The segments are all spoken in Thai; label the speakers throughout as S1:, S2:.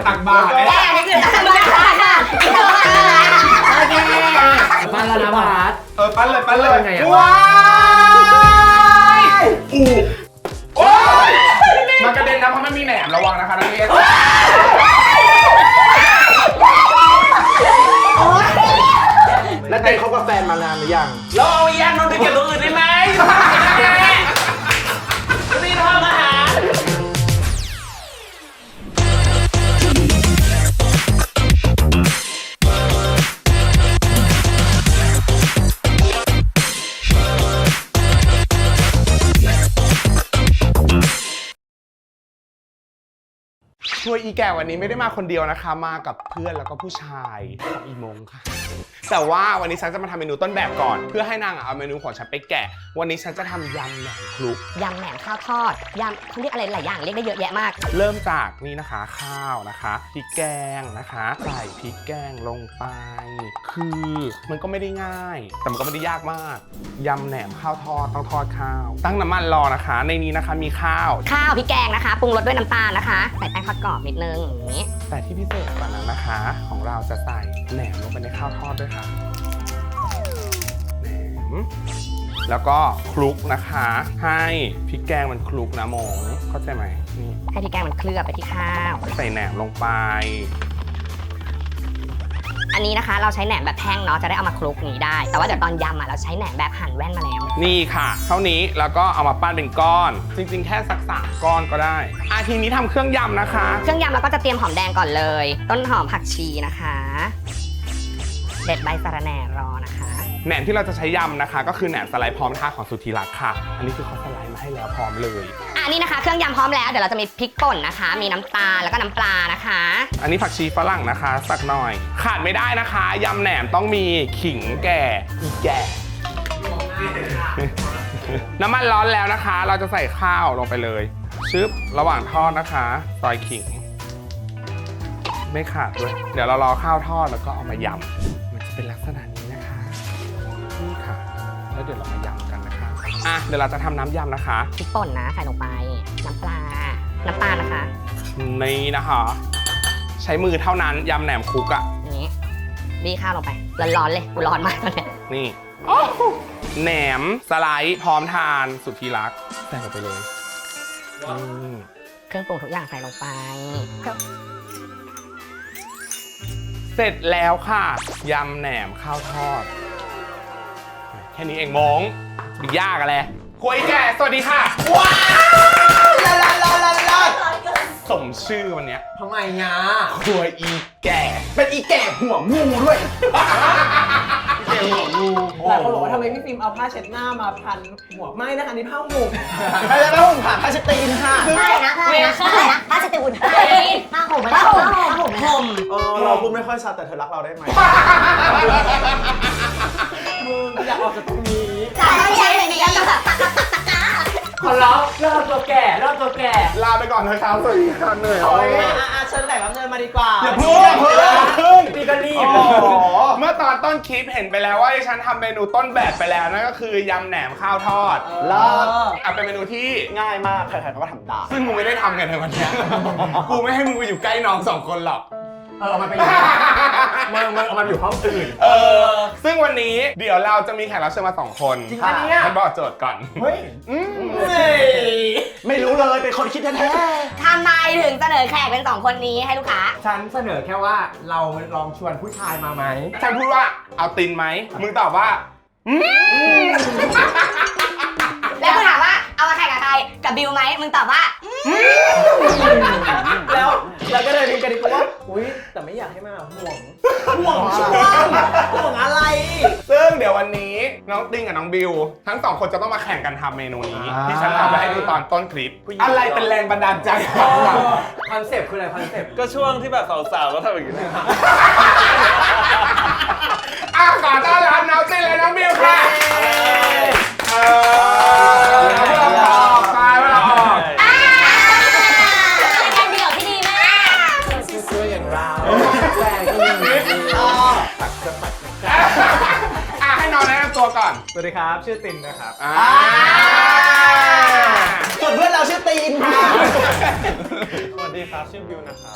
S1: ตักบาตร
S2: นี่คือตักบาตรค่ะโอเค
S3: ปั้นแล้วนะบาส
S1: ปั้นเลย
S3: ว้
S1: ายโอ้ยมันกระเด็นนะเพราะมันมีแหนมระวังนะคะนักเรียน
S3: แล้วเต้เขากับแฟนมานานหรือยัง
S4: เราเอาอีอันมันไปเก็บตรงอื่นได้ไหมรีบทำอาหาร
S1: ช่วยอีแก่วันนี้ไม่ได้มาคนเดียวนะคะมากับเพื่อนแล้วก็ผู้ชายของอีมงค่ะแต่ว่าวันนี้ฉันจะมาทำเมนูต้นแบบก่อนเพื่อให้นางเอาเมนูของฉันไปแกะวันนี้ฉันจะทำยำแหนมคลุก
S2: ยำแหนมข้าวทอดยำเขาเรียกอะไรหลายอย่างเรียกได้เยอะแยะมาก
S1: เริ่มจากนี่นะคะข้าวนะคะพริกแกงนะคะใส่พริกแกงลงไปคือมันก็ไม่ได้ง่ายแต่มันก็ไม่ได้ยากมากยำแหนมข้าวทอดต้องทอดข้าวตั้งน้ำมันรอนะคะในนี้นะคะมีข้าว
S2: พริกแกงนะคะปรุงรสด้วยน้ำตาลนะคะใส่แป้งทอดกรอบนิดนึงอย่างนี้
S1: แต่ที่พิเศษกว่านั้นนะคะของเราจะใส่แหนมลงไปในข้าวทอดด้วยค่ะแหนมแล้วก็คลุกนะคะให้พริกแกงมันคลุกนะมงเข้าใจไหมนี่
S2: ให้พริกแกงมันเคลือบไปที่ข้าว
S1: ใส่แหนมลงไป
S2: อันนี้นะคะเราใช้แหนมแบบแท่งเนาะจะได้เอามาคลุกนี้ได้แต่ว่าเดี๋ยวตอนยำเราใช้แหนมแบบหั่นแว่นมาแล้ว
S1: นี่ค่ะเท่านี้แล้วก็เอามาปั้นเป็นก้อนจริงๆแค่สัก3ก้อนก็ได้ทีนี้ทำเครื่องยำนะคะ
S2: เครื่องยำเราก็จะเตรียมหอมแดงก่อนเลยต้นหอมผักชีนะคะเด็ดใบสะระแหน่รอนะคะ
S1: แหนมที่เราจะใช้ยำนะคะก็คือแหนมสไลด์พร้อมทาของสุธีรักษ์ค่ะอันนี้คือเขาสไลด์มาให้แล้วพร้อมเลย
S2: นี่นะคะเครื่องยำพร้อมแล้วเดี๋ยวเราจะมีพริกป่นนะคะมีน้ำตาลแล้วก็น้ำปลานะคะ
S1: อันนี้ผักชีฝรั่งนะคะสักหน่อยขาดไม่ได้นะคะยำแหนมต้องมีขิงแก่อีแก่น้ำมันร้อนแล้วนะคะเราจะใส่ข้าวลงไปเลยชึบระหว่างทอดนะคะซอยขิงไม่ขาดด้วยเดี๋ยวเรารอข้าวทอดแล้วก็เอามายำมันจะเป็นลักษณะนี้นะคะนี่ค่ะแล้วเดี๋ยวเรามายำกันนะคะเดี๋ยวเราจะทำน้ำยำนะคะ
S2: พริกป่นนะใส่ลงไปน้ำปลาน้ำตาลนะคะ
S1: นี่นะคะใช้มือเท่านั้นยำแหนมคลุก
S2: นี้บี้ข้าวลงไปร้อนๆเลยร้อนมากตอนนี้
S1: นี่แหนมสไลด์พร้อมทานสุดที่รักใส่ลงไปเลย
S2: เครื่องปรุงทุกอย่างใส่ลงไป
S1: เสร็จแล้วค่ะยำแหนมข้าวทอดแค่นี้เองมงมียากอะไรคุยแก่สวัสดีค่ะว้าวลาสมชื่อวันนี้
S3: ทำไมงา
S1: ครัวอีแก่
S3: เป็นอีแก่หัวงูด้วยแก่หัวงูหลายคนบอกว่าทำไมพี่ฟิล์มเอาผ้าเช็ดหน้ามาพันหัวไม่นะคะนี่ผ้าห่มไม่ใช่ผ้าห่มค่ะผ้าเช็ดตีนค่ะ
S2: ใช่นะผ้าเช็ดตีนผ้าห่ม
S3: เราพูดไม่ค่อยชัดแต่เธอรักเราได้ไหมมึงอยากออกจากตรงนี้
S2: ใช่เลยนี่
S4: ขอร้องเลิกตัวแก่
S1: ลาไปก่อนนะครับสวัสดีครับเหนื่อย
S3: เชิญแขกรับเชิญมาดีกว่า
S1: อย่าเพิ่ง
S4: นี่ก็รีบ
S1: เมื่อตอนต้นคลิปเห็นไปแล้วว่าฉันทำเมนูต้นแบบไปแล้วนั่นก็คือยำแหนมข้าวทอดแล้วเป็นเมนูที่
S3: ง่ายมากใครๆก็ทำได้
S1: ซึ่งมึงไม่ได้ทำกันในวันนี้กูไม่ให้มึงไปอยู่ใกล้น้อง2คนหรอก
S4: เอามันไปอยู่มึงเอามันอยู่ห้องอื่น
S1: ซึ่งวันนี้เดี๋ยวเราจะมีแขกรับเชิญมา2คน
S3: จริงปะเนี่ย
S1: มันบอกโจทย์ก่อน
S3: เฮ้ยไม่รู้เลยเป็นคนคิดแท้
S2: ๆทำไมถึงเสนอแขกเป็น2คนนี้ให้ลูกค้า
S4: ฉันเสนอแค่ว่าเราลองชวนผู้ชายมาไหม
S1: ฉันพูดว่าเอาตินไหมมึงตอบว่า
S2: แล้วกูถามว่าเอามาแข่งกับใครกับบิวไหมมึงตอบว่า
S3: แล้วก็เลยมีกันดีกว่าอุ้ยแต่ไม่อยากให้มาห่วงช่วงห่วงอะไร
S1: ซึ่งเดี๋ยววันนี้น้องติงกับน้องบิวทั้ง2คนจะต้องมาแข่งกันทำเมนูนี้ที่ฉันทำไปให้ดูตอนต้นคลิปอะไรเป็นแรงบันดาลใจ
S4: คอนเซปต์คืออะไรคอนเซปต์
S5: ก็ช่วงที่แบบสาวๆก็ทำอย่างนี้นะ
S1: ขอต้อนรับน้องติงและน้องบิวค่ะ
S5: สวัสดีครับชื่อตินนะครับ
S3: ส่วนเพื่อนเราชื่อตีนค่ะ
S5: สวัสดีครับ ชื่อบิวนะครับ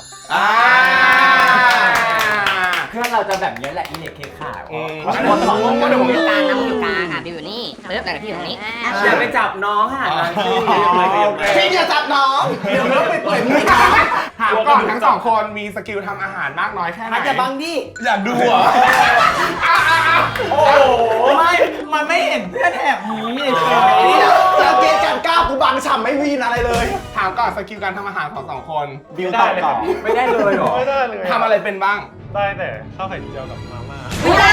S4: เพื่อนเราจะแบบนี้แหละอีเน็ตเคขา
S2: คนสองคนเดี๋ยวผมอยู่กลางนะผมอยู่กลางอ่ะบิวอยู่นี่เริ่มจากพี่อยู่ตรงนี้
S4: อย่าไปจับน้องค่ะนางชื่อ
S3: พี่อย่าจับน้องเดี๋ยวเราไปปล่อยมือ
S1: ถามก่อนทั้งสองคนมีสกิลทำอาหารมากน้อยแค่ไหน
S3: อาจจะบังดิ
S1: อยากดูเหรอ
S3: โอ้โหไม่มันไม่เห็นเพื่อนแอบหนีเฉยๆสังเกตการก้าวกูบังฉ่ำไม่วีนอะไรเลย
S1: ถามก่อนสกิลการทำอาหารของสองคน
S3: บิวตอบต่อ
S4: ไม่ได้เลยหรอ
S5: ไม่ได้เลย
S1: ทำอะไรเป็นบ้าง
S5: ได้แต่ข้าวไข่เจียวกับมาม่า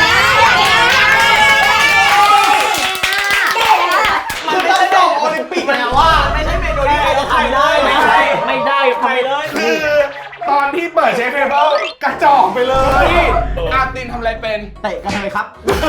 S3: คือได้ดอกโอลิมปิกแล้วว่าไม่ใช่เมนูที่ใครจะทำได้
S4: ไม่ได้
S5: ใครเลย
S1: คือตอนที่เปิดเชฟเทเบิลกระจอกไปเลยอาตินทำอะไรเป็น
S3: เตะกันเลยครับ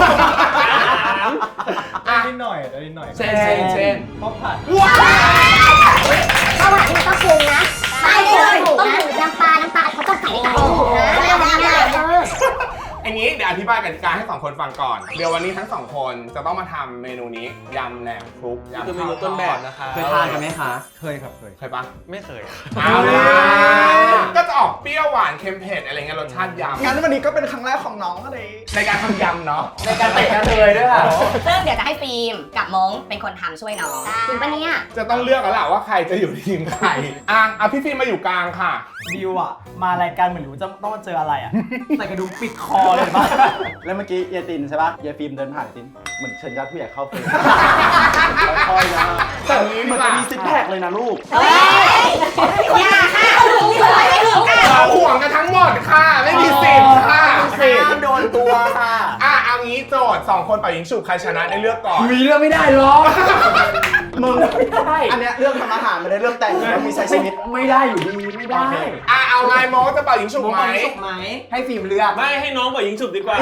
S1: อ่ะ
S5: นิดหน่อยนิดหน่อย
S1: เช่น
S5: ข้าวผัด
S1: ว้าว
S6: ข้าวผัดนี่ต้องปรุงนะไม่เลยต้องปรุงน้ำปลาเขาต้องใส่ในกระปุกนะแล้วน้ำอะไร
S1: อันนี้เดี๋ยวอธิบายกติกาให้สองคนฟังก่อน เดี๋ยววันนี้ทั้งสองคนจะต้องมาทำเมนูนี้ยำแหนมคลุกยำ
S5: คือเมนูต้นแบบนะคะ
S4: เคยทานกันไหมคะ
S5: เคยครับเคย
S1: เคยปะ
S5: ไม่เคย
S1: เอาล่ะก็จะออกเปรี้ยวหวานเค็มเผ็ดอะไรเงี้ยรสชาติยำ
S3: งั้นวันนี้ก็เป็นครั้งแรกของน้องเลย
S1: ในการทำยำเนาะ
S4: ในการเตะกันเลยด้วยค่ะ
S2: ซึ่งเดี๋ยวจะให้ฟิล์มกับมงเป็นคนทำช่วยน้อง
S6: จริงปะเนี่ย
S1: จะต้องเลือกแล้วแหละว่าใครจะอยู่ทีมใครอ่ะพี่ฟิล์มมาอยู่กลางค่ะ
S3: บิวอ่ะมารายการเหมือนรู้จะต้องมาเจออะไรอ่ะใส่กระดุมปิดคอเลยป่ะ
S7: แล้วเมื่อกี้เยตินใช่ปะเยฟิล์มเดินผ่านตินเหมือนเชิญญาติผู้ใหญ่เข้าเฟรมค่อยๆนะแต่เหมือนจะมีซิกแพคเลยนะลูก
S2: อย่าค่ะ
S1: เราห่วงกันทั้งหมดค่ะ ไม่มีสิทธิ์ค่ะ
S3: ห้ามโดนตัวค่ะ
S1: เอางี้โจทย์สองคนเป่ายิงฉุบใครชนะได้เลือกก่อน
S4: มีเรื่องไม่ได้หรอก
S3: มึง
S4: ไม่ได้
S3: อันเนี้ยเรื่องทำอาหารไม่ได้เรื่องแต่งแล้วมีใช้ชีวิต
S4: ไม่ได้อยู่ดีไม่ได้
S1: เอาไงโมจะเป่ายิงฉุบไหม
S3: ให้ฟิล์มเลือก
S5: ไม่ให้น้องเป่ายิงฉุบดีกว่า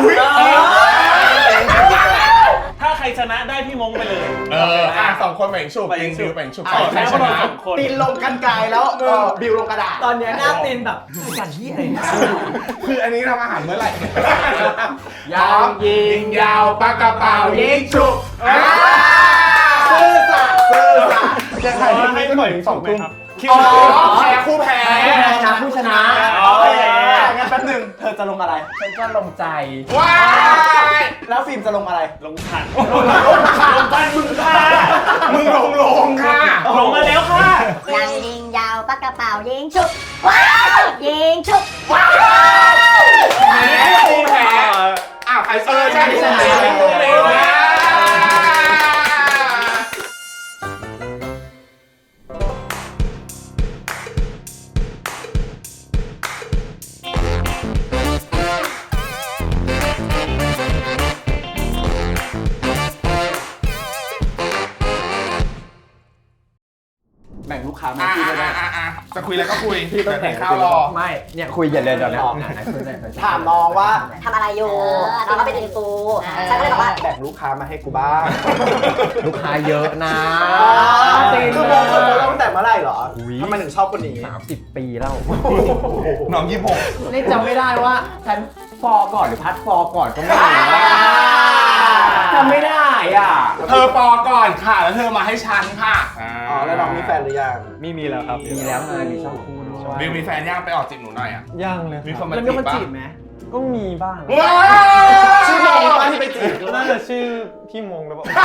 S5: ถ้าใครชนะได้พี่มงไปเลย
S1: สองคนเป่ายิงฉุบยิงบิวเป่ายิงฉุบใครชนะ
S3: ตีนลงกันไกลแล้วบิวลงกระดาษ ตอนเนี้ยหน้าตีนแบบกันที่อะไรเนี่ย
S1: คืออันนี้ทำอาหารเมื่อไหร่
S4: ยาวยิง
S1: ยาวปากกระเป๋ายิงฉุบ
S3: ซื่อสัตย์ซื่อสัตย์
S1: จะใครที่ไม่เป่ายิงสองทุ่ม
S5: คิว
S1: แพ้คู่แพ้
S4: ผู้ชนะ
S3: โอเคงั้นแป๊บหนึงเธอจะลงอะไร
S4: ฉันก็ลงใจ
S1: ว้าย
S3: แล้วฟิล์มจะลงอะไร
S5: ลงขัน
S3: ลงบ้านมึงค่ะ
S1: มึงลงค่ะ
S5: ลงมาแล้วค่ะ
S6: ยังยิงยาวปากกระเป๋ายิงชุบว้าวยิงชุบ
S1: แพ้คู่แพ้ใครใช่ใช่คู่แพ้
S7: แบ่งลูกค้ามาที่ด้วยนะ
S1: จะคุยแล้วก็คุย
S7: พี่ต้อง
S1: แต่
S7: แข่ง
S1: ข้าวรอ
S4: ไม่เนี่ยคุยอย่าเลยเดี๋ยวนะ
S3: ถามน้องว่า
S2: ทำอะไรอยู่น้องก็เป็นอินฟูฉันก็เลยบอกว่า
S7: แบ่งลูกค้ามาให้กูบ้าง
S4: ลูกค้าเยอะนะ
S3: คือมองคนเราตั้งแต่เมื่อไหร่เหรอทำไมถึงชอบคนนี้
S4: 30 ปีแล้ว
S1: น้อง26
S4: นี่จำไม่ได้ว่าฉันฟอก่อนหรือพัดฟอก่อนก็ไม่รู้จำไม่ได้อ่ะ
S1: เธอปอก่อนค่ะ แล้วเธอมาให้ฉันค่ะ
S3: อ๋อ แล้วน้องมีแฟนหรือยัง
S5: มีแล้วครับ
S4: มีแล้วไงมีช่องคู่ด้วย
S1: บิวมีแฟนย่างไปออกจีบหนูหน่อยอ่ะ
S5: ย่างเลย
S1: มีคนมา
S3: แล้วมีคนจีบไหม
S5: ก็มีบ้าง
S1: ว้า
S3: ชื่อน้องป้าที่ไปจีบ
S5: น่าจะชื่อพี่มงหรือเปล่า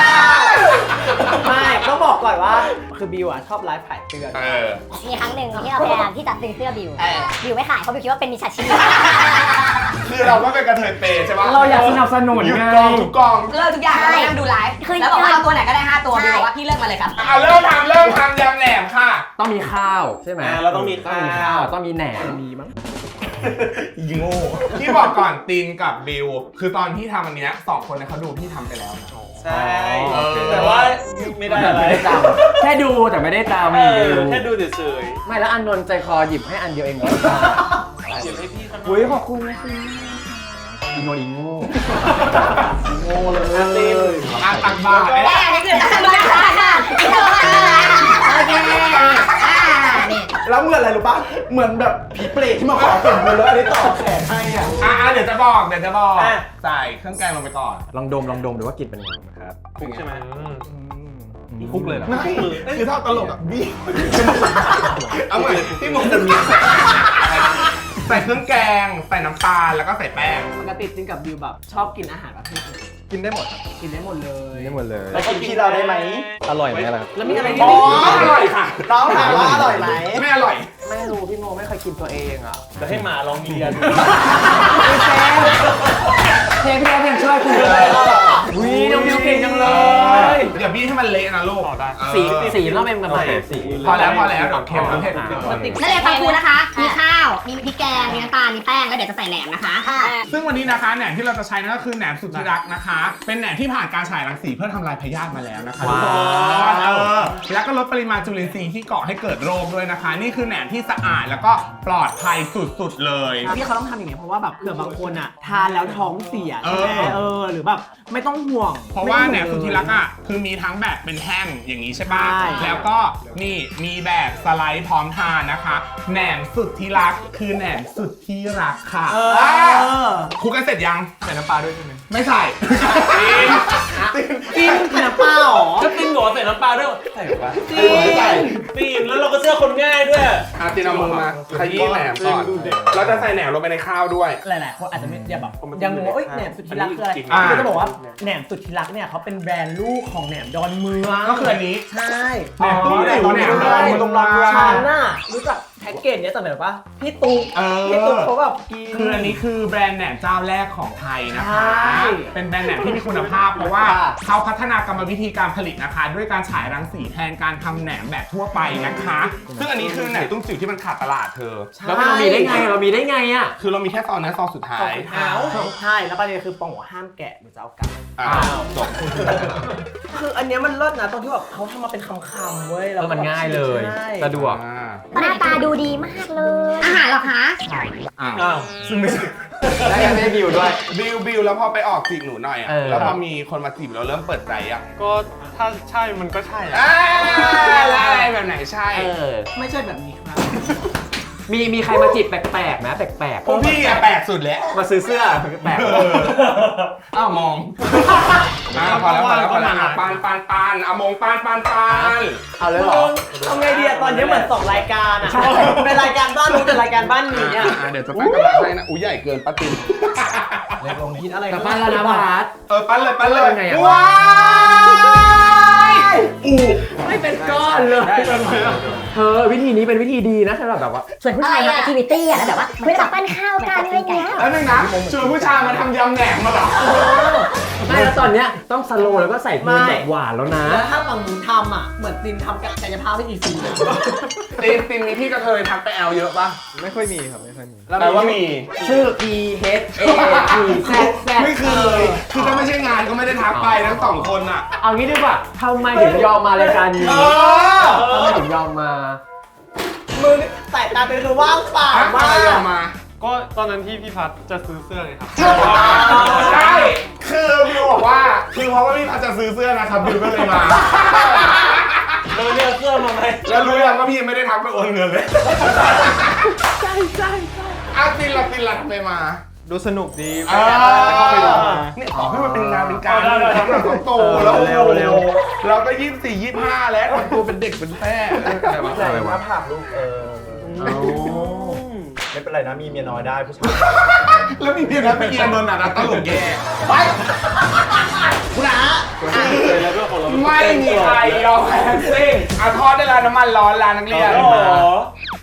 S3: ไม่ต้องบอกก่อนว่า คือบิวอ่ะชอบไลฟ์ขายเตือน
S6: มีครั้งหนึ่งที่เราพยายามที่จะซื้อเสื้อบิวบิวไม่ขายเพราะบิวคิดว่าเป็นมิจฉาชีพ
S1: คือเราก็เป็นกระเทยเปย์ใช่ปะ
S4: เราอยากสนับสนุน
S1: หยุด
S4: ไง
S1: กองทุกกอง
S2: เลิกทุกอย่างแล้วนั่งดูไลฟ์แล้วบอกว่าเอาตัวไหนก็ได้5ตัวบิวบอกว่าพี่เลิกมาเลยครับ
S1: เริ่มทำยำแหนมค่ะ
S4: ต้องมีข้าวใช่ไหม
S5: เราต้องมีข้าว
S4: ต้องมีแหนม
S3: มีมั้ง
S1: ยิงโง่ที่บอกก่อนตินกับบิว คือตอนที่ทำอันเนี้ย2คนเนี่ยเขาดูพี่ทำไปแล้วนะ
S5: ใช่ แต่ว่าไม่ได้อะไร
S4: ไม่ได้จำแค่ดูแต่ไม่ได้จำ
S5: แค่ดูเฉย
S4: ไม่แล้วอันนนท์ใจคอหยิบให้อันเดียวเองเหรอ
S5: ๆเก็บให้พี่เขาหน่
S4: อุ้
S5: อย
S4: ยขอบคุณนะคุณอีโนอีโง่
S3: โง่เลย
S1: ตักบาตร
S2: แม่นี่คือทำมาค่ะโอเคนี่
S3: แล้วเหมือนอะไรรู้ปะเหมือนแบบผีเปรตที่มาขอเปลี่ยนมือแล้วอันนี้ต่อแขนให้อ่ะ
S1: เดี๋ยวจะบอกใส่เครื่องแกงลงไปก่อน
S4: ลองดมดูว่ากลิ่นเป็นยังไงครับ
S5: ใช่ไหมคุกเลยเหรอ
S1: ไม่คือถ้าตลกอ่ะบี้เอาเหมือนที่มึงใส่เครื่องแกงใส่น้ำตาลแล้วก็ใส่แป้ง
S3: ปกติจริงกับบิวแบบชอบกินอาหารประเภทไหน
S4: กินได้หมด
S3: กินได้หมดเลย
S4: ได้หมดเลย
S7: แล้วกินที่เราได้ไหม
S4: อร่อยไหมล่ะ
S3: แล้วมีอะไรที่
S1: อ๋อ
S3: ไม่กิน
S1: อร่อยค่ะ
S3: ต้องถามว่าอร่อยไหม
S1: ไม่อร่อย
S3: ไม่รู้พี่โมไม่เคยกินตัวเองอ่ะ
S5: จะให้หมาลองเลียดู
S3: เพลงพี่โมเพลงช่วยคุณเลยวิน้องบิวเก่งจังเลย
S1: อย่าบี้ให้มันเละนะลูก
S3: สีต้องเป็นแบบไหน
S4: สี
S1: พอแล้วเดี๋ยวเค็มแล้วเผ็ด
S2: นักเรียนฟังครูนะคะ มีข้าว มีพริกแกง มีน้ำตาล มีแป้ง แล้วเดี๋ยวจะใส่แหนมนะคะ
S1: ซึ่งวันนี้นะคะแหนมที่เราจะใช้นั่นก็คือแหนมสุดที่รักนะคะ เป็นแหนมที่ผ่านการฉายรังสีเพื่อทำลายพยาธิมาแล้วนะคะทุกคนแล้วก็ลดปริมาณจุลินทรีย์ที่ก่อให้เกิดโรคด้วยนะคะ นี่คือแหนมที่สะอาดแล้วก็ปลอดภัยสุดๆเลย
S3: ที่เขาต้องทำอย่างนี้เพราะว่าแบบเผื่อบางคนอ่ะทานแล้วท้องเสียใช่ไหม หรือแบบไม่ต้องห่วง
S1: เพราะว่าแหนมสุดที่รักอ่ะคือมีทั้งแบบเป็นแท่งอย่างนี้ใช่ปะ
S3: ใช่
S1: แล้วก็นี่มีแบบสไลด์พร้อมทานนะคะแหนมสุดที่รักคือแหนมสุดที่รักค่ะคลุกกันเสร็จยัง
S4: ใส่น้ำปลาด้วยใช่ไหม
S1: ไม่ใส่
S3: กินกินน้ำเปล่าหรอ
S5: ก็ตินบอกว่าใส่น้ำปลาด้วย
S4: ใส่ปะ
S5: ตินแล้วเราก็เชื่อคนง่ายด้วย
S1: ตินเอามือมาขยี้แหนมก่อนเราจะใส่แหนมลงไปในข้าวด้วย
S3: หลายๆคนอาจจะไม่แบบยังงงว่าแหนมสุดที่รักคืออะไร
S1: อ่า
S3: ก็จะบอกว่าแหนมสุดที่รักเนี่ยเขาเป็นแบรนด์ลูกของแหนมดอนเมือง
S1: ก็คืออันนี้
S3: ใช่
S1: แหนมตู้หนูแหนมดอนเมือง
S3: ตรงร้านฉันน่ะรู้จักแพ็กเกจเนี้ยแต่แบบว่าพี่ตุ๊ก
S1: เออ
S3: พี่ตุ๊กเขาแบบกิน
S1: คืออันนี้คือแบรนด์แหนมเจ้าแรกของไทยนะคะ
S3: ใช่
S1: เป็นแบรนด์แหนมที่มีคุณภาพเพราะว่าเขาพัฒนากรรมวิธีการผลิตนะคะ ด้วยการฉายรังสีแทนการทำแหนมแบบทั่วไปนะคะ ซึ่งอันนี้คือแหนมตุ้มจิ๋วที่มันขาดตลาดเธอ
S3: แล้วเรามีได้ไงเรามีได้ไงอ่ะ
S1: คือเรามีแค่ซองนั้นซองสุดท้าย
S3: ใช่แล้วประเด็นคือปองหัวห้ามแกะหรือจะเอากลับ
S1: อ้าวจบ
S3: คืออันเนี้ยมันเลิศนะตรงที่แบบเขาทำมาเป็นคำๆเว้ยแล้ว
S4: มันง่ายเลย
S3: ใช่
S4: สะดวก
S6: หน้าตาดูดีมากเลย
S2: อาหารเหรอคะ
S5: อ้าว
S1: ซึ่งไม่ใช่
S4: แล้วยังไม่ได้บิวด้วย
S1: บิวแล้วพอไปออกจีบหนูหน่อยอ่ะ
S4: เออ
S1: แล้วพอมีคนมาจีบเราเริ่มเปิดใจอ่ะ
S5: ก็ถ้าใช่มันก็ใช่อะ
S1: แล้วอะไรแบบไหนใช่
S3: ไม่ใช่แบบนี้ครับ
S4: มีใครมาจีบแปลกๆไหมแปลก
S1: พวกพี่อะแปลกสุดแล้ว
S4: ๆมาซื้อเสื้อแปลก
S1: อ้าวมองพอแล้วปานเอามงปาน
S4: เอาเลยเหรอ
S3: ทำไงดีอะตอนนี้เหมือนสองรายการอะเป็นรายการบ้านรู้แต่รายการบ้านหนีอะ
S1: เดี๋ยวจะปั้นกระดาษให้นะอุ้ยใหญ่เกินป้าติน
S3: คิดอะไร
S4: แต่บ้านแล้วนะพาร์ท
S1: ปั้นเลย
S4: เป็นไงอะ
S1: ว้ายอู้
S3: ไม่เป็นก้อนเลย
S4: เธอวิธีนี้เป็นวิธีดีนะสำหรับแบบว่า
S6: ส่วนผู้ชายทำแอคทิวิตี้อะแล้วแบบว่าเฮ้ยแบบปั้นข้าวกันอะไรเงี้ย
S1: แล้วนึงนะชวนผู้ชายมาทำยำแหนมมาเหรอ
S4: ไม่แล้วตอนเนี้ยต้องสโลว์แล้วก็ใส่เพลงแบบหวานแล้วนะ
S3: แล้วถ้าฝั่งหนูทำอะเหมือนตินทำกับกายภาพไม่อีกสิ่งเลย
S1: ตินมีพี่กระเทยทักไปแอลเยอะป่ะ
S4: ไม่ค่อยมีครับไม่ค่อยมี
S1: แปลว่ามี
S4: ชื่อ E H A T Z Z
S1: ไม่เคยคือถ้าไม่ใช่งานก็ไม่ได้ทักไปทั้งสองคนอ่ะ
S4: เอางี้ดีกว่าทำไมถึงยอมมารายการนี้ทำไมถึงยอมมา
S3: มือสายตาเป็นคือว่างเปล่า
S1: ทัก
S3: มา
S1: มาเย
S3: ก
S1: อะมา
S5: ก็ตอนนั้นที่พี่พัดจะซื้อเสื้อไงครับ
S1: ใช่ คือบิวบอกว่า คือเพราะว่าพี่พัดจะซื้อเสื้อนะครับบิวก็เลยมา
S5: เราเลือกเสื้อมาไหม
S1: แล้วรู้ยังว่าพี่ยังไม่ได้ทักไปโอนเงินเลย
S3: ใช่
S1: อ้าวตินละทำไมมา
S5: ดูสนุกดี
S1: อ่า
S5: จะเข้าไปดูมา
S1: เนี่ยขอให้มันเป็นงานเป็นการ
S5: ได้
S1: ทำหลังของโตแล้ว
S4: เร็ว
S1: เราก็24-25 แล้วทำตัวเป็นเด็กเป็นแม่อะไรวะ
S7: ใส่หน้าผากลูกไม่เป็นไรนะมีเมียน้อยได้ผู้ชาย
S1: แล้วมีเพียงนั้นไม่เอียนนนท์อ่ะนะตลกแย่ไปคุณอา
S5: แล้วก็ของเรา
S1: ไม่มีใครยอมแพ้ทั้งสิ้นอ่ะทอดได้แล้วน้ำมันร้อนร้านนักเรียน
S5: อ๋อ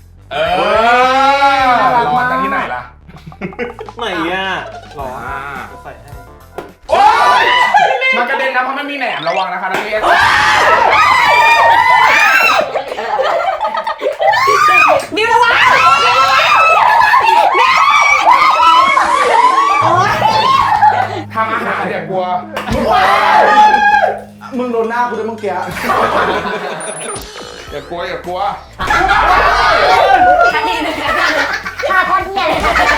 S1: น่ารักมากจากที่ไหนล่ะ
S5: ไหนอ่ะหรอ
S1: อ่า
S5: ใส่ให้
S1: โอ๊ยมันกระเด็นนะเพราะมันมีแหนมระวังนะคะนักเรียน
S2: บิวระวัง
S1: ทำอาหารอย่ากลัว
S7: มึงโดนหน้ากูด้วยเมื่อกี้
S1: อย่ากลัว
S2: ทันทีหนึ่ง
S6: ชาโคตรเหี้ยเลย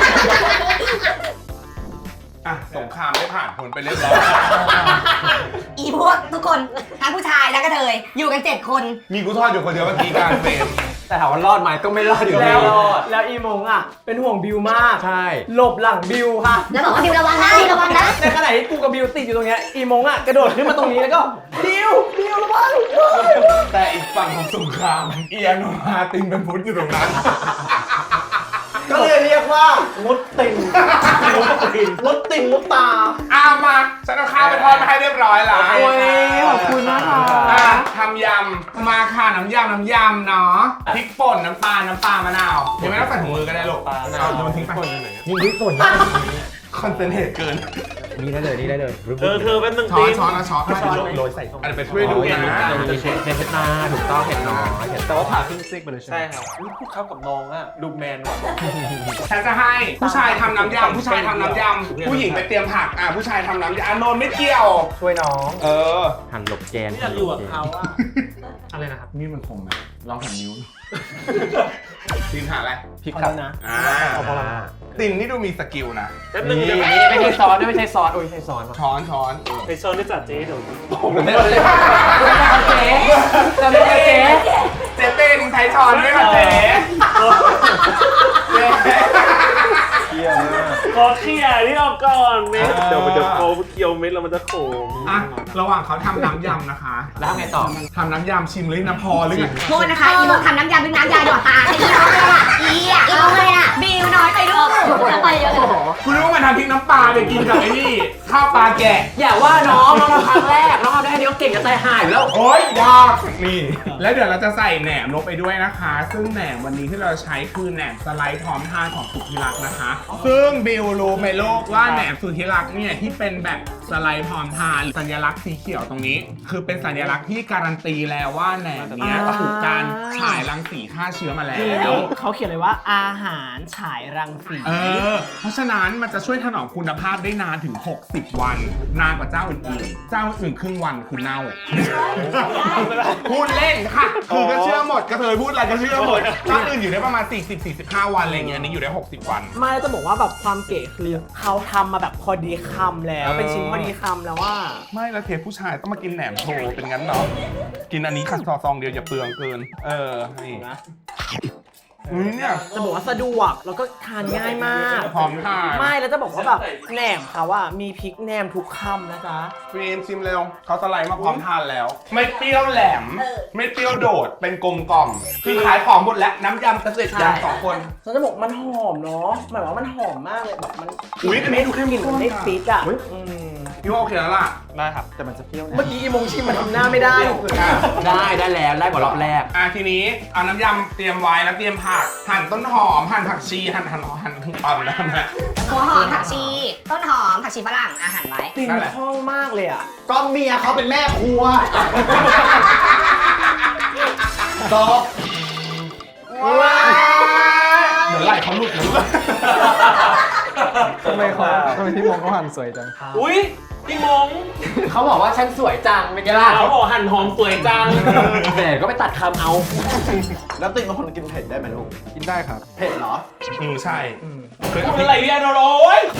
S1: อ่ะสงครามได้ผ่านพ้นไปเรียบร้อย
S2: อีพวกทุกคนทั้งผู้ชายและกระเทยอยู่กัน7 คน
S1: มีกูทอดอยู่คนเดียวเมื่อกี้กลารเฟรม
S5: แต่ถามว่ารอดไหมก็ไม่รอดอยู่ดี
S3: แล้วอีมงอ่ะเป็นห่วงบิวมาก
S5: ใช่
S3: หลบหลังบิวค่ะ
S6: แล้วบอกว่าบิวระวังนะบิวระวังนะ
S3: ในขณะที่กูกับบิวติดอยู่ตรงเนี้ยอีมงอ่ะกระโดดขึ้นมาตรงนี้แล้วก็บิวระวัง
S1: แต่อีกฝั่งของสงครามเอียโนมาตินเป็นพุทธอยู่ตรงนั้น
S3: ก็เลยเรียกว่ามุดติ่งมุดติ่งมุดตา
S1: เอามาฉันเอาข้าวไปทอดมาให้เรียบร้อยแล้ว
S3: โอ้ยขอบคุณมากค่ะ
S1: ทำยำมาค่ะน้ำยำเนาะพริกป่นน้ำปลามะนาวยังไม่ต้องใส่ถุงมือก็ได้ลูกเอาโยนทิ้งไป
S5: ยิงที่ส่วน
S1: คอนเซนเทรตเกิน
S5: นี่ได้เลยนี่ได้เลย
S8: เธอเป็นหนึ่ง
S1: ช้อ
S8: ตี
S1: นช้อนนะช้อนโรยใส่อันนี้ไปช่วยดูนะ
S5: จะเช็ดเผ็ดนาถูกต้องเผ็ดน้อย
S8: แต่ว่าผ่าครึ่งซีกไปเลยใช่ไหมใช่ครับพูดเข้ากับน้องอะดูแมนว่ะ
S1: ฉันจะให้ผู้ชายทำน้ำยำผู้ชายทำน้ำยำผู้หญิงไปเตรียมผักผู้ชายทำน้ำยำโนนไม่เกี่ยว
S5: ช่วยน้อง
S4: หั่นหลบแกน
S8: อยากอยู่กับเขาอะ
S5: อะไรนะครับ
S1: นี่มันคมไหมลองหันนิ้วตินหาอะไร
S5: พริกครับ
S3: นะ
S5: เอาพอละ
S1: ตินนี่ดูมีสกิลนะ
S8: แป๊บนึงเดี๋ยว
S5: ไม่ใช่ซอสไม่ใช่ซอสโอ้ยใช่ซอส
S1: ช้อน
S8: ไอโซนที่จัดเจ๊เดี๋ยว
S3: เราไม่ได้เจ๊
S1: เจ๊เป็นใช้ช้อนด้วยค่ะเจ๊
S7: เที่ยวมาก
S8: ขอเขี่ยนี่ออกก่อนเม็ดเดี๋ยวมันจะโค้งเคี้ยวเม็ดแล้วมันจะโค้ง
S1: อ่ะระหว่างเขาทำน้ำยำนะคะ
S5: แล้วทำไงต่อ
S1: ทำน้ำยำชิมเลยน้ำพอหรือไง
S2: โทษนะคะ อีโมทำน้ำยำเป็นน้ำยาหยอดตาใช่ไหมอีอ่ะ
S6: อีมงเลยน่ะ
S2: บิวน้อยไปด้วย
S6: จะไปเยอะเลย
S1: คุณรู้ว่ามันทำพริกน้ำปลาไปกินกับไอ้นี่ข้าวปลาแกะ
S5: อย่าว่าน้องทำครั้งแรกน้องทำได้แค่นี้ก็เก่งจะตายหายอยู่แล้ว
S1: โอ๊ยยากนี่ แล้วเดี๋ยวเราจะใส่แหนมลงไปด้วยนะคะ ซึ่งแหนมวันนี้ที่เราใช้คือแหนมสไลด์พร้อมทานของสุธิรักษ์นะคะ ซึ่งบิวรู้ไหมโลกว่าแหนมสุธิรักษ์เนี่ยที่เป็นแบบสไลด์พร้อมทานสัญลักษณ์สีเขียวตรงนี้ คือเป็นสัญลักษณ์ที่การันตีแล้วว่าแหนมเนี้ยถูกการฉายรังสีฆ่าเชื้อมาแล้ว
S3: เขาเขียนเลยว่าอาหารฉายรังสี
S1: เพราะฉะนั้นมันจะช่วยถนอมคุณภาพได้นานถึง 60 วัน นานกว่าเจ้าอื่นๆ เจ้าอื่นครึ่งวันคือเน่า พูดเล่นค่ะ คือก็เชื่อหมดกระเทยพูดอะไรก็เชื่อหมดเจ้าอื่นอยู่ได้ประมาณ 40-45 วันอะไรเงี้ยอันนี้อยู่ได้ 60 วัน
S3: ไม่จะบอกว่าแบบความเก๋คือเขาทำมาแบบพอดีคำแล้วเป็นชิ้นพอดีคำแล้วว่า
S1: ไม่แล้วเทปผู้ชายต้องมากินแหนมโชว์เป็นงั้นเนาะกินอันนี้ค่ะซองเดียวอย่าเปลืองเกิน นี่
S3: นะ
S1: เนี่ย
S3: จะบอกว่าสะดวกแล้วก็ทานง่ายมาก
S1: พร้อมทาน
S3: ไม่แล้วจะบอกว่าแบบแหนมเขาว่ามีพริกแหนมทุกคำนะจ๊ะ
S1: ฟิล์มชิมเร็วเขาสไลด์มาพร้อมทานแล้ว ไม่เปรี้ยวแหลม ไม่เปรี้ยวโดดเป็นกลมกล่อมคือขายของหมดแล้วน้ำยำเกษตรยำสองคน
S3: ฉันจะบอกมันหอมเนาะหมายว่ามันหอมมากเลยแบบมัน
S1: อุ๊ยอันนี้ดูเข้ม
S3: กลิ่น
S1: ข้
S3: มัน นได้ฟิตอ่ะอืม
S1: พี่ว่าโอเคแล้วล่ะ
S8: ได้ครับ
S7: แต่มันจะเปรี้ยวนะ
S3: เมื่อกี้อีมงชิมมันทำหน้าไม่ได้
S5: ได้แล้วได้กว่ารอบแรก
S1: ทีนี้เอาน้ำยำเตรียมไว้แล้วเตรียมผักหั่นต้นหอมหั่นผักชีหั่นปั่นแล้วนะ
S2: หัวหอมผักชี ต้นหอมผักชีฝรั่งอาหารไว้
S3: กลิ่นคล่องมากเลยอ่ะ
S7: ก็เมียเขาเป็นแม่ครัวตบ
S1: เดี๋ยวไหล่เขาหลุดนะ
S5: ทำไมพี่มงเขาหั่นสวยจัง
S8: อุ้ยพี่มง
S5: เขาบอกว่าฉันสวยจังเป็นไงล่ะ
S8: เขาบอกหั่นหอมสวยจัง
S5: แต่ก็ไปตัดคำเอา
S7: แล้วติ่งเป็นคนกินเผ็ดได้ไหมลูก
S5: กินได้ครับ
S7: เผ็ดเหรอ
S1: ใช่เคย
S8: ทำอะไรเนี่ยโอ้ย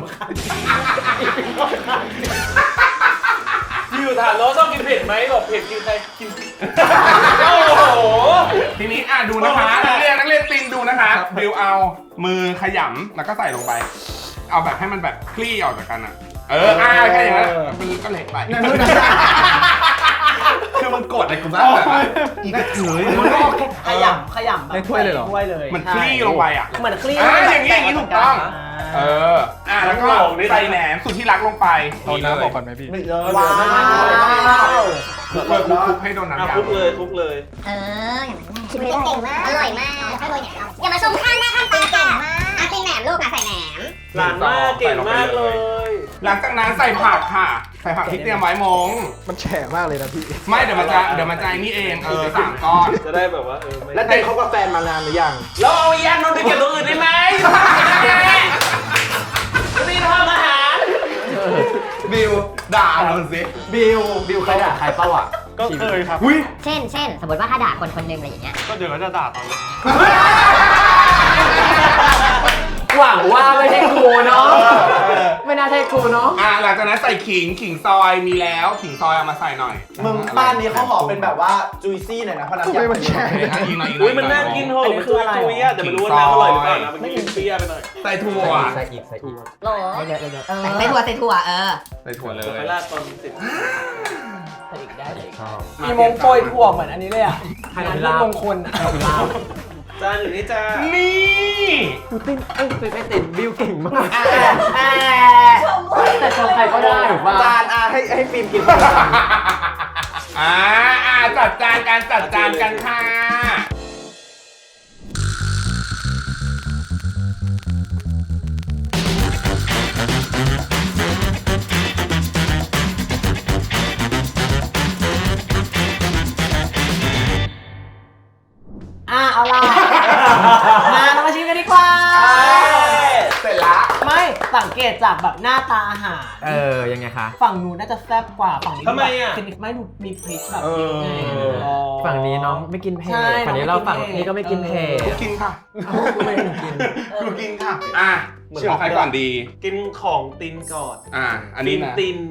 S8: อยู่ถามน้องชอบกินเผ็ดไหมบอกเผ็ดกินใครกินโอ้โห
S1: ทีนี้ดูนะคะนักเรียนตินดูนะคะบิวเอามือขยำแล้วก็ใส่ลงไป เอาแบบให้มันแบบคลี่ออกจากกันอ่ะแค่อย่างนั้นมันก็เละไปคือมันกดในกลุ่มนั้นอีกกระเทย
S3: มันก็ขยำแบบ
S5: ในถ้วยเลยเหรอ
S3: ถ้วยเลย
S1: มันคลี่ลงไปอ่ะ
S3: เหมือนคลี่
S1: อย่างนี้ถูกต้อง แล้วก็ใส่แหนมสุดที่รักลงไป
S5: เอาน้ำบอกก่อนไหมพี่
S7: ไม่เยอะ
S3: ว้าว
S1: คลุกให้โดนน้ำ
S8: ค
S1: ยำ
S8: ลุกเลยคลุกเลย
S6: ชิมไม่ได้เก่งมาก อร่อยมากอร่อยเนี่ยอย่ามาชมข้างหน้าข้างตาเก่งมากกินแหนมลูกใส่แหนม
S8: หลานมากเก่งมากเลย
S1: หลังจากนั้นใส่ผักค่ะ ใส่ผักที่เตรียมไว้มง
S5: มันแฉะมากเลยนะพี่
S1: ไม่เดี๋ยวมันจะนี่เอง3 ก้อน
S8: จะได้แบบว่าไม่
S7: แล้วติ่งเขากับแฟนมานานหรือยัง
S8: แล้วเอายานนท์ไปเก็บตัวอื่นได้ไหมนี่ทำอาหาร
S1: บิวด่าเราสิ
S5: บิวใครด่าใครเป้าอ่ะ
S8: ก็เคยครับ
S6: เช่น สมมติว่าถ้าด่าคนคนหนึ่งอะไรอย่างเงี้ย
S8: ก็เดี๋ยวก็จะด่าตอนนี้
S5: หวังว่าไม่ใช่ครูเนาะไม่น่าใช่กูเนาะ
S1: หลังจากนั้นใส่ขิงซอยมีแล้วขิงซอยเอามาใส่หน่อย
S7: มึงบ้านนี้เขาขอเป็นแบบว่าจุยซี่หน่อยนะเพราะน้ำยำมันแช่
S1: อีกหน่อย
S8: อุ้ยมันน่ากินเหอะมันคือจุยๆอ่ะแต่ไม่รู้ว่าน้ำอร่อยหรือเปล่านะมันกินเปรี้ยวไปหน่อย
S1: ใส่ถั่ว
S5: ใส่อีก
S2: โหลใส่ถั่ว
S1: ใส่ถั่วเล
S8: ไป
S1: ย
S8: ราดตอนเสร็จ
S3: มีมงโปรยถั่วเหมือนอันนี้เลยอ่ะงานมงคลอ่ะ
S8: จานอยู่นี่จ้า
S1: นี่
S5: ไม่ติดบิวเก่งมากแต่ชมใครก็ได้ถูกป่ะ
S7: จานให้ฟิล์มกิน
S1: จัดจานกันค่ะ
S3: เอาล่ะเรามาชิมกันดีกว่า
S1: เสร็จละ
S3: ไม่สังเกตจากแบบหน้าตาอาหาร
S5: ยังไงคะ
S3: ฝั่งนู้นน่าจะแซ่บกว่าฝั่งนี้
S8: ทำไมอ่ะ
S3: ไม่ดูมีพริกแบบ
S5: ฝั่งนี้น้องไม่กินเผ็ด
S3: ใช่
S5: ฝั่งนี้เราฝั่งนี้ก็ไม่กินเผ็ด
S1: กินค่ะ
S5: กูไม่กิน
S1: กูกินค่ะเชื่อใครก่อนดี
S8: กินของตินก่อน
S1: อันนี้นะ
S8: ติน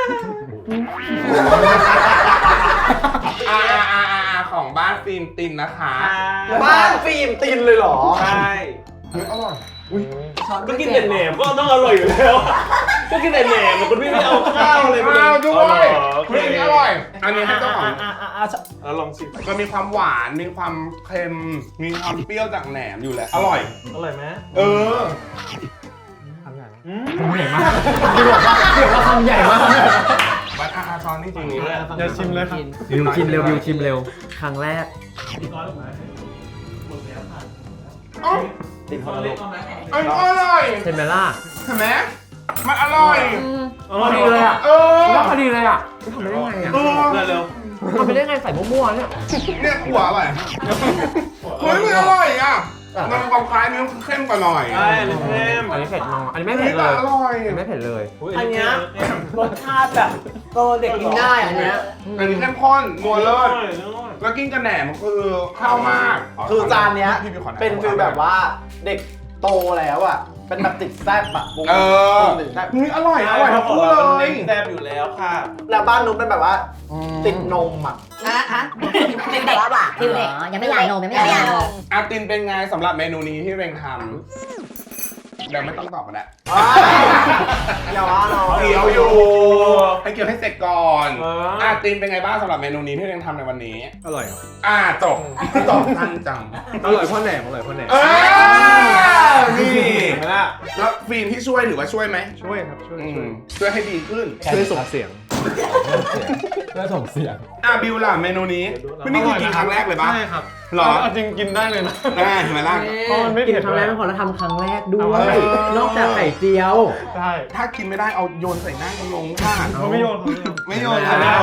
S1: ของบ้านฟิล์มตินนะคะ
S7: บ้านฟิล์มตินเลยเหรอ
S8: ใช่
S1: อร่อย
S8: ก็กินแต่แหนมก็ต้องอร่อยอยู่แล้วก็กินแต่แหนมคุณพี่ไม่เอาข้าวเลย
S1: ข้าวด้วย
S8: โอเค
S1: อันนี้อร่อย อันนี้ให้เจ้าของ
S8: แล้วลองชิม
S1: มันมีความหวานมีความเค็มมีความเปรี้ยวจากแหนมอยู่แหละอร่อย
S8: อร่อยไหม
S1: เออ
S5: คำใหญ่มากเดี๋ยวว่าคำใหญ่มาก
S1: บัตรช้อนนี่จริงนี่แหละ
S5: เดี๋ยวชิมเลยครับบิวชิมเร็วครั้งแรก
S7: ตินฮอลโล
S1: อร่อย
S5: เห็นไหมล่ะ
S1: เห็นไหมมันอร่อย
S5: พอดีเลยอ่ะ ว่าพอดีเลยอ่ะทำไปได้ไงอ่ะ
S8: เร็ว
S5: ทำไปได้ไงใส่มั่วๆเนี่ย
S1: เนี่ยขัวอร่อยเฮ้ยมันอร่อยอ่ะมันมีความคล้ายเนื้อเข้มกว่าหน่อย
S8: ใช่เลยเข้ม
S5: อันนี้เผ็ดน้อยอันนี้ไม่เผ็ดเลย
S1: อร่อย
S5: อันนี้ไม่เผ็ดเลย
S3: อันเนี้ยรสชาติแบบเด็กกินได้อันเนี้ย
S1: อันนี้เข้มข้นนัวเลิศแล้วกินกับแหนมคือเข้ามาก
S7: คือจานเนี้ย
S1: พี่ขอ
S7: เป็นฟิลแบบว่าเด็กโตแล้วอ่ะ เป็นแบบติดแซ่บอะวง ติดแซ่บ
S1: นี่อร่อยทั้งคู่เลย
S8: แซ่บอยู่แล้วค่ะ
S7: แล้วบ้านนุ๊กเป็นแบบว่าติดนมอ่ะ
S2: เป็นเด็กคือเด็กยังไม่อยากนมยังไม่อยากนม
S1: อาตินเป็นไงสำหรับเมนูนี้ที่เร่งทำเดี๋ยวไม่ต้องตอบก็ได้
S7: อย่าว่าเรา
S1: เกี่ยวอยู่ให้เกี่ยวให้เสร็จก่อนอาตินเป็นไงบ้างสำหรับเมนูนี้ที่เร่งทำในวันนี้
S5: อร่อย
S1: จบทันจัง
S5: อร่อยเพราะแหนม
S1: นี่
S7: เห็นไหมล่ะ
S1: แล้วฟิล์มที่ช่วยถือว่าช่วยไหม
S5: ช่วยครับช่วย
S1: ช่วยให้ดีขึ้น
S5: ช่วยส่งเสียงช่วยส่งเสียง
S1: บิวล่ะเมนูนี้นี่คือกินครั้งแรกเลยปะ
S5: ใช่ครับ
S1: หรอ
S5: จริงกินได้เลยนะ
S1: เห็นไหมล่ะ
S5: กินครั้งแรกไม่พอแล้วทำครั้งแรกด้วยนอกจากไข่เจียวใช่
S1: ถ้ากินไม่ได้เอาโยนใส่หน้ากันลงค่ะ
S5: เขาไม่โยน
S1: ไม่โยน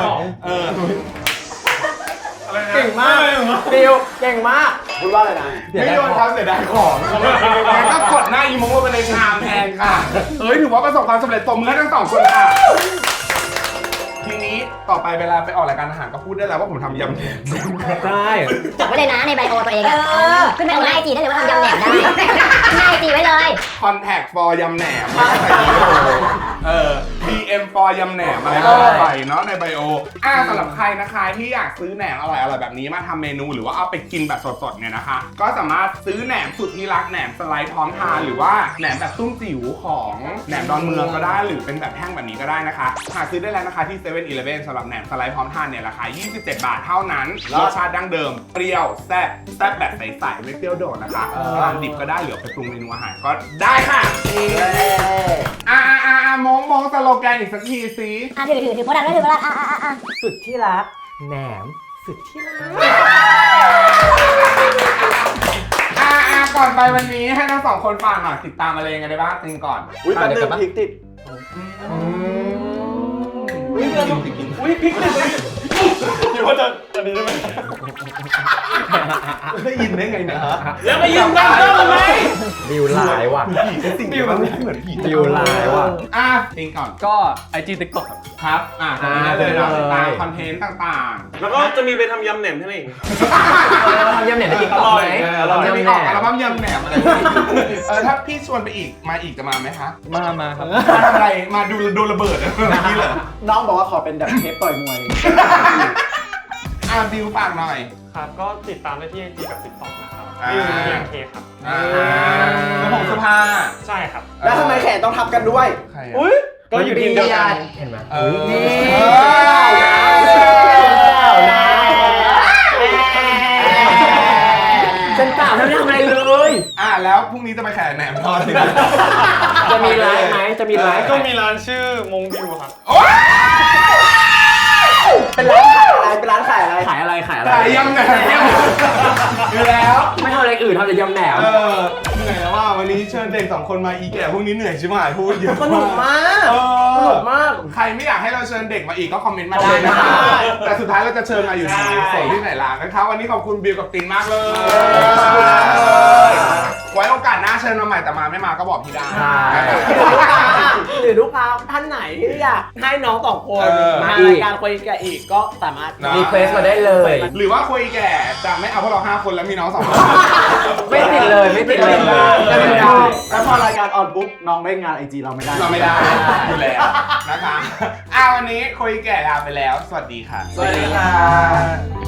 S3: เก่งมากฟิวเก่งมาก
S7: พูดว่าอะไรนะ
S1: ไม่โยนเขาเสียดายของงั้นก็กดหน้าอีโมงลงไปในชามแทนค่ะถือว่าประสบความสำเร็จตบมือให้ทั้งสองคนค่ะทีนี้ต่อไปเวลาไปออกรายการอาหารก็พูดได้แล้วว่าผมทำยำแหนม
S5: ได้
S2: จดไว้เลยนะในไบโอตัวเองอะขึ้นไปบนหน้าไอจีได้เลยว่าทำยำแหนมได้หน้าไอจีไว้เลย
S1: Contact for ยำแหนมDM for ยำแหนมอะไรก็ว่าไปเนาะในไบโอสำหรับใครนะคะที่อยากซื้อแหนมอร่อยๆแบบนี้มาทำเมนูหรือว่าเอาไปกินแบบสดๆเนี่ยนะคะก็สามารถซื้อแหนมสุดที่รักแหนมสไลด์พร้อมทานหรือว่าแหนมแบบตุ้มจิ๋วของแหนมดอนเมืองก็ได้หรือเป็นแบบแท่งแบบนี้ก็ได้นะคะหาซื้อได้แล้วนะคะที่ 7-Eleven สำหรับแหนมสไลด์พร้อมทานเนี่ยราคา27 บาทเท่านั้นรสชาติดั้งเดิมเปรี้ยวแซ่บแบบใสๆไม่เปรี้ยวโดดนะคะทานดิบก็ได้หรือไปปรุงเมนูอาหารก็ได้ค่ะมองสโลแกนอีกสักทีสิ
S6: ถือโปรดักต์ด้วยถือโปรดักต์
S3: สุดที่รัก
S5: แหนมสุดที่รัก
S1: ก่อนไปวันนี้ให้ทั้งสองคนฝากหน่อยติดตามอะไรยังไงได้บ้างติงก่อน
S7: อุ้ยแป๊บนึงพริกติด
S8: อุ้ยพริกเลยคิดว่าจะอันนี้ได้ไหม
S1: ได้ยินได้ไงเนี่ย
S8: แล้วมายืมกันก็ทำไม
S5: ดิวลายว่ะ
S1: สิ่งที่มันไม่เหมือนผี
S5: ดิวลายว่ะ
S1: ติงก่อน
S5: ก็ IG TikTok ครับ
S1: ครับตรงนี้ได้เลยเราติดตามคอนเทนต์ต่างๆ
S8: แล้วก็จะมีไปทำยำแหนมที่ไหนอีก
S5: ทำยำแหนมในติ๊กต็อกไหม
S1: เราจะมีออกอัลบั้มยำแหนมอะไรถ้าพี่ชวนไปอีกมาจะมาไหมคะ
S5: มาครับ
S1: มาทำอะไรมาดูระเบิดนี่เหรอ
S7: น้องบอกว่าขอเป็นแบบเทปต่อยมวย
S1: บิวฝากหน่อย
S5: ครับก็ติดตามได้ที่ IG กับ TikTok นะครับ
S1: TNK
S5: ครับ
S1: แล้วผมสุภา
S5: ใช่ครับ
S7: แล้วทำไมแขนต้องทับกันด้วย
S1: ใคร
S8: อุ้ย
S5: ก็อยู่ทีมเดียวกันเห็นไหม
S1: นี่
S5: ฉันเปล่าไม่ได้ทำอะไรเลย
S1: แล้วพรุ่งนี้จะไปแข่งแหนมทอดสิ
S5: จะมีไลฟ์ไหมจะมีไลฟ์
S8: ก็มีร้านชื่อมงวิวครับ
S7: เป็นร้านขายอะไร เป็นร้านขายอะไร
S5: ขายอะไรขายอะไร
S1: ขายยำแหนมอยู่แล้ว
S5: ไม่ทำอะไรอื่นทำแต่ยำแหนม
S1: เหนื่อยแล้วว่าวันนี้เชิญเด็ก2 คนมาอีแก่พวกนี้เหนื่อยใช่ไหมพูดเยอะ
S3: สนุกมากสนุกมาก
S1: ใครไม่อยากให้เราเชิญเด็กมาอีกก็คอมเมนต์มาได้นะคะแต่สุดท้ายเราจะเชิญมาอยู่ที่ส่งที่ไหนล่ะนะครับวันนี้ขอบคุณบิวกับตินมากเลยไว้โอกาสหน้าเชิญมาใหม่แต่มาไม่มาก็บอกพี่ได้
S3: หรือลูกค้าท่านไหนที่อยากให้น้องสองคนมารายการคุยกันอีกก็สามารถ
S5: รีเควสมาได้เลย
S1: หรือว่าคุยแก่จะไม่เอาพวกเรา5 คนแล้วมีน้อง2 คน
S5: ไม่ติดเลยไม่ติดเลย
S7: แล้วพอรายการออนปุ๊บน้องเล่นงานไอจีเราไม่ได้
S1: เราไม่ได้อยู่แล้วนะคะวันนี้คุยแก่ลาไปแล้ว สวัสดีค่ะ
S3: สวัสดีค่ะ